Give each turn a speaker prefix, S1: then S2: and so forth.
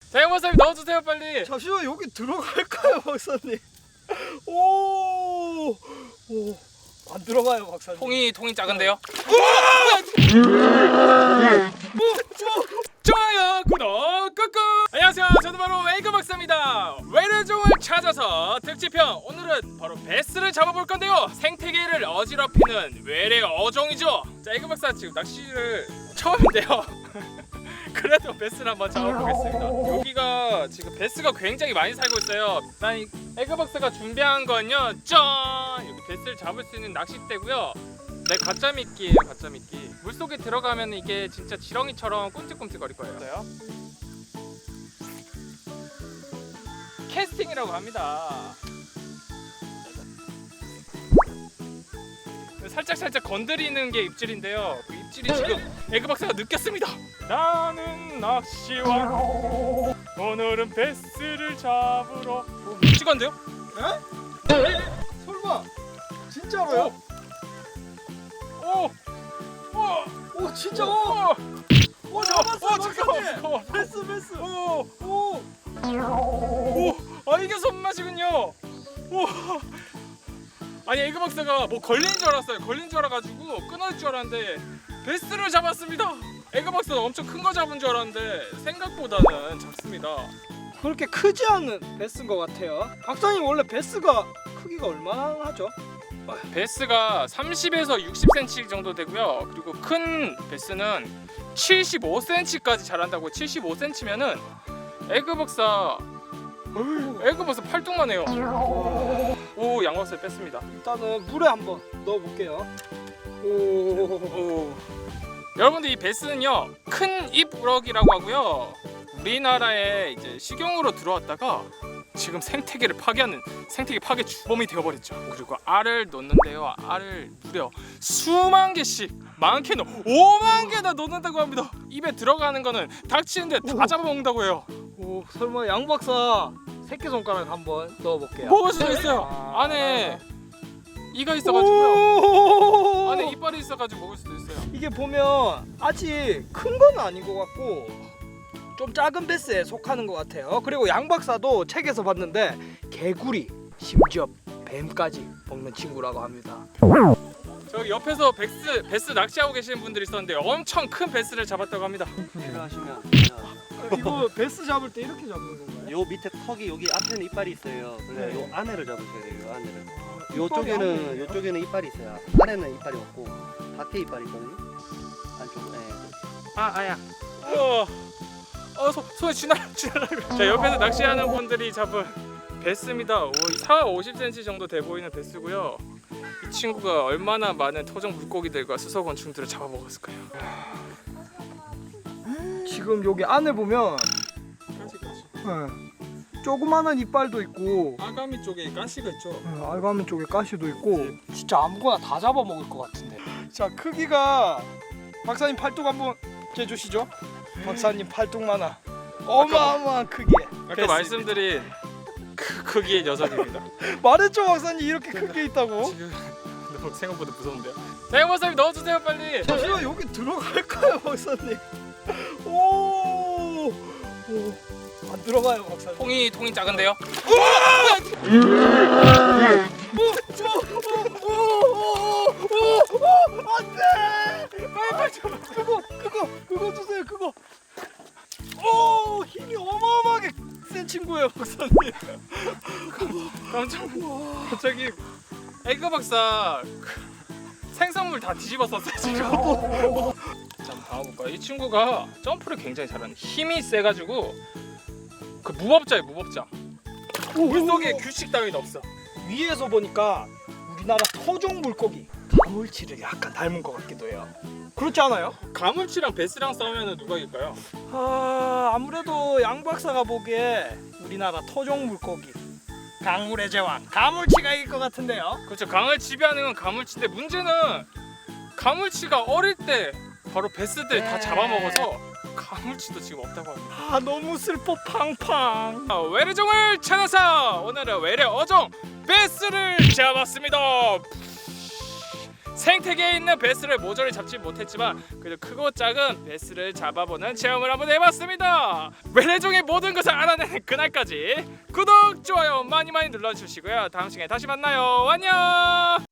S1: 자, 박사님 넣어주세요 빨리.
S2: 잠시만 여기 들어갈까요 박사님? 오, 안 들어가요 박사님.
S1: 통이 작은데요? 좋아요, 구독 꾹꾹. 안녕하세요, 저는 바로 에그 박사입니다. 외래종을 찾아서 특집편. 오늘은 바로 베스를 잡아볼 건데요. 생태계를 어지럽히는 외래 어종이죠. 자, 에그 박사 지금 낚시를 처음인데요. 그래도 베스를 한번 잡아보겠습니다. 여기가 지금 베스가 굉장히 많이 살고 있어요. 난 에그 박사가 준비한 건요, 짠! 여기 베스를 잡을 수 있는 낚싯대고요. 네, 가짜 미끼예요, 가짜 미끼. 물속에 들어가면 이게 진짜 지렁이처럼 꿈틀꿈틀거릴 거예요. 캐스팅이라고 합니다. 살짝 건드리는 게 입질인데요. 그 입질이 지금 에그 박사가 느꼈습니다. 나는 낚시왕, 오늘은 베스를 잡으러. 찍었는데요?
S2: 에? 설마 진짜로요? 오 진짜 오 잡았어 박사님. 베스 오
S1: 이게 손맛이군요. 오. 아니, 에그 박사가 뭐 걸린 줄 알았어요. 걸린 줄 알아가지고 끊어질 줄 알았는데 베스를 잡았습니다. 에그 박사가 엄청 큰 거 잡은 줄 알았는데 생각보다는 작습니다.
S2: 그렇게 크지 않은 베스인 것 같아요. 박사님 원래 베스가 크기가 얼마나 하죠?
S1: 베스가 30에서 60cm 정도 되고요. 그리고 큰 베스는 75cm까지 자란다고. 75cm면은 에그 박사 팔뚝만 해요. 오, 양박사 뺐습니다.
S2: 일단은 물에 한번 넣어볼게요. 오.
S1: 여러분들, 이 베스는요, 큰 입우럭이라고 하고요. 우리나라에 이제 식용으로 들어왔다가 지금 생태계를 파괴하는 생태계 파괴 주범이 되어버렸죠. 그리고 알을 놓는데요, 알을 무려 수만 개씩, 많게는 5만 개나 놓는다고 합니다. 입에 들어가는 거는 닥치는데 다 잡아먹는다고 해요.
S2: 오, 설마 양 박사 새끼손가락 한번 넣어볼게요.
S1: 먹을 수도 있어요. 안에 이가 있어가지고요. 안에 이빨이 있어가지고 먹을 수도 있어요.
S2: 이게 보면 아직 큰 건 아닌 것 같고 좀 작은 베스에 속하는 것 같아요. 그리고 양 박사도 책에서 봤는데 개구리, 심지어 뱀까지 먹는 친구라고 합니다.
S1: 저기 옆에서 베스 낚시하고 계시는 분들이 있었는데 엄청 큰 베스를 잡았다고 합니다.
S3: 필요하시면
S2: 이거 베스 잡을 때 이렇게 잡는 건가요?
S3: 요 밑에 턱이 여기 앞에는 이빨이 있어요. 그래서
S2: 네.
S3: 요 안에를 잡으셔야 돼요. 요 안에를.
S2: 이빨이
S3: 요쪽에는 이빨이 있어요. 안에는 이빨이 없고 밖에 이빨이 있거든요. 안쪽. 네.
S1: 아야. 손에 쥐날라. 자, 옆에서 낚시하는 분들이 잡은 베스입니다. 50cm 정도 돼 보이는 베스고요. 이 친구가 얼마나 많은 토종 물고기들과 수소곤충들을 잡아먹었을까요?
S2: 지금 여기 안에 보면 조그마한 이빨도 있고
S1: 아가미 쪽에 가시가 있죠.
S2: 알가미 쪽에 가시도 있고 진짜 아무거나 다 잡아먹을 것 같은데. 자, 크기가 박사님 팔뚝 한번 재주시죠. 박사님 팔뚝만한 어마어마한 크기의
S1: 아까
S2: 베스입니다.
S1: 말씀드린 그 크기의 녀석입니다.
S2: 말했죠 박사님, 이렇게 큰 게 있다고.
S1: 지금 너무 생각보다 무서운데요. 자, 박사님 넣어주세요 빨리.
S2: 잠시만 여기 들어갈까요 박사님? 오, 안 들어가요 박사님.
S1: 통이 작은데요?
S2: 안돼! 빨리 그거 주세요. 그거. 오, 힘이 어마어마하게 센 친구예요 박사님.
S1: 갑자기 에그 박사 생선물 다 뒤집었었어요 지금. 자, 한번 봐볼까요? 이 친구가 점프를 굉장히 잘하는, 힘이 세가지고 그 무법자예요, 무법자. 물속에 규칙 따위는 없어.
S2: 위에서 보니까 우리나라 토종 물고기 가물치를 약간 닮은 것 같기도 해요. 그렇지 않아요?
S1: 가물치랑 베스랑 싸우면 누가 이길까요?
S2: 아무래도 양 박사가 보기에 우리나라 토종 물고기 강물의 제왕 가물치가 이길 것 같은데요.
S1: 그렇죠, 강을 지배하는 건 가물치인데 문제는 가물치가 어릴 때 바로 베스들 다 잡아먹어서 가물치도 지금 없다고 합니다.
S2: 너무 슬퍼 팡팡.
S1: 외래종을 찾아서 오늘은 외래 어종 베스를 잡았습니다. 생태계에 있는 베스를 모조리 잡지 못했지만 그래도 크고 작은 베스를 잡아보는 체험을 한번 해봤습니다. 외래종의 모든 것을 알아내는 그날까지 구독, 좋아요 많이 눌러주시고요. 다음 시간에 다시 만나요. 안녕.